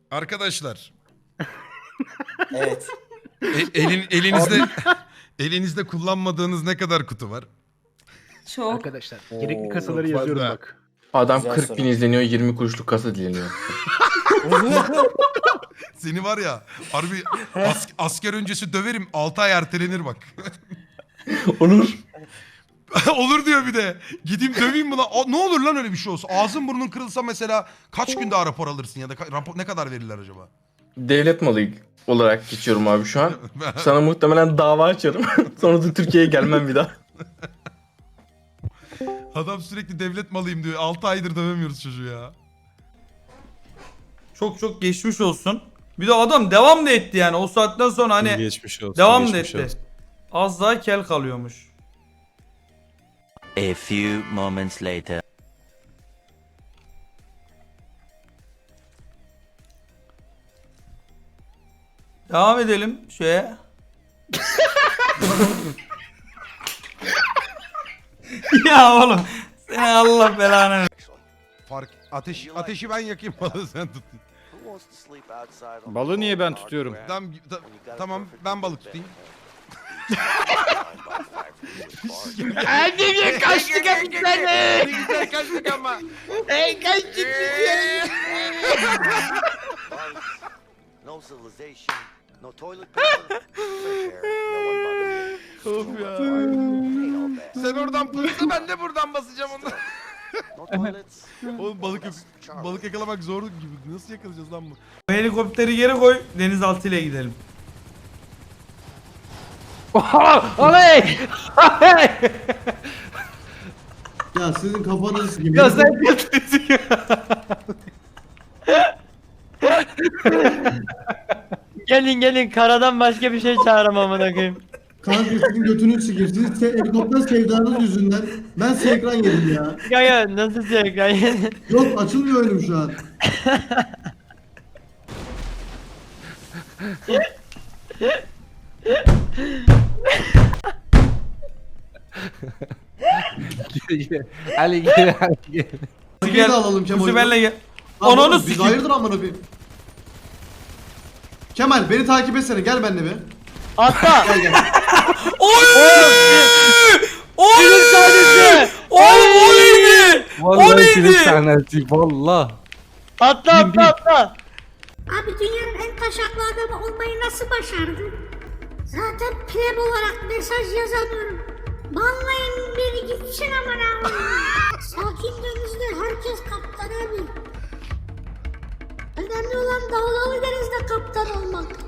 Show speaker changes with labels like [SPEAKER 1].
[SPEAKER 1] Arkadaşlar.
[SPEAKER 2] Evet.
[SPEAKER 1] Elinizde kullanmadığınız ne kadar kutu var?
[SPEAKER 3] Çok.
[SPEAKER 4] Arkadaşlar gerekli kasaları
[SPEAKER 1] çok
[SPEAKER 4] yazıyorum
[SPEAKER 1] fazla.
[SPEAKER 4] bak.
[SPEAKER 5] Adam
[SPEAKER 2] Güzel
[SPEAKER 5] 40
[SPEAKER 2] soru.
[SPEAKER 5] bin izleniyor, 20 kuruşluk kasa dileniyor.
[SPEAKER 1] Seni var ya harbi asker öncesi döverim 6 ay ertelenir bak.
[SPEAKER 5] Olur.
[SPEAKER 1] Olur diyor bir de. Gideyim döveyim buna. Ne olur lan öyle bir şey olsa. Ağzın burnun kırılsa mesela kaç gün daha rapor alırsın ya da rapor ne kadar verirler acaba?
[SPEAKER 5] Devlet malı olarak geçiyorum abi şu an. Sana muhtemelen dava açarım. Sonra da Türkiye'ye gelmem bir daha.
[SPEAKER 1] Adam sürekli devlet malıyım diyor. 6 aydır dövemiyoruz çocuğu ya.
[SPEAKER 6] Çok çok geçmiş olsun. Bir de adam devam da etti yani. O saatten sonra hani
[SPEAKER 7] Geçmiş olsun.
[SPEAKER 6] devam da
[SPEAKER 7] geçmiş
[SPEAKER 6] etti.
[SPEAKER 7] olsun.
[SPEAKER 6] Az daha kel kalıyormuş.
[SPEAKER 8] A few moments later.
[SPEAKER 6] Devam edelim şeye. Ya oğlum. Seni Allah belanı.
[SPEAKER 1] Ateşi ben yakayım balığı sen tut.
[SPEAKER 7] Balığı niye ben tutuyorum?
[SPEAKER 1] Tamam ben balık tutayım.
[SPEAKER 4] Annemi kaçtık hepsini.
[SPEAKER 1] Güzel kaçtık ama.
[SPEAKER 4] Kaçtık
[SPEAKER 9] No civilization, no toilet paper, fresh air, no one bothering you. Ain't all bad.
[SPEAKER 1] Sen oradan pırsa ben de buradan basacağım onu.
[SPEAKER 9] No toilets.
[SPEAKER 1] Oğlum balık yakalamak zor gibi. Nasıl yakalayacağız lan bu?
[SPEAKER 6] Bu helikopteri geri koy. Denizaltı ile gidelim.
[SPEAKER 4] Oley!
[SPEAKER 10] Ya sizin kafanız gibi.
[SPEAKER 4] Ya sen kötüsün.
[SPEAKER 3] Gelin karadan başka bir şey çağıramam amına koyayım.
[SPEAKER 10] Kanka sizin götünüz sikir. Sizin helikopter sevdanız yüzünden ben ekran yedim ya.
[SPEAKER 3] Kanka nasıl şey
[SPEAKER 10] Yok açılmıyor önüm şu an.
[SPEAKER 7] Hadi gel hadi gel.
[SPEAKER 10] Gel alalım Kemal'i.
[SPEAKER 6] Kuzi benle gel.
[SPEAKER 10] Lan
[SPEAKER 6] Ananı
[SPEAKER 10] oğlum, biz
[SPEAKER 6] sikeyim.
[SPEAKER 10] hayırdır amına bir. Kemal beni takip etsene gel benimle bir.
[SPEAKER 3] Atla.
[SPEAKER 10] Gel gel.
[SPEAKER 6] Oy! Oy!
[SPEAKER 3] Film sahnesi.
[SPEAKER 6] Oğlum o neydi? O
[SPEAKER 7] Vallahi film
[SPEAKER 6] neydi?
[SPEAKER 7] sahnesi valla.
[SPEAKER 3] Atla.
[SPEAKER 11] Abi dünyanın en taşaklı adamı olmayı nasıl başardın? Zaten pleb olarak mesaj yazamıyorum. Banlayın beni gitsin aman abi. Sakin denizde herkes kaptan abi. Önemli olan dalgalı denizde kaptan olmak.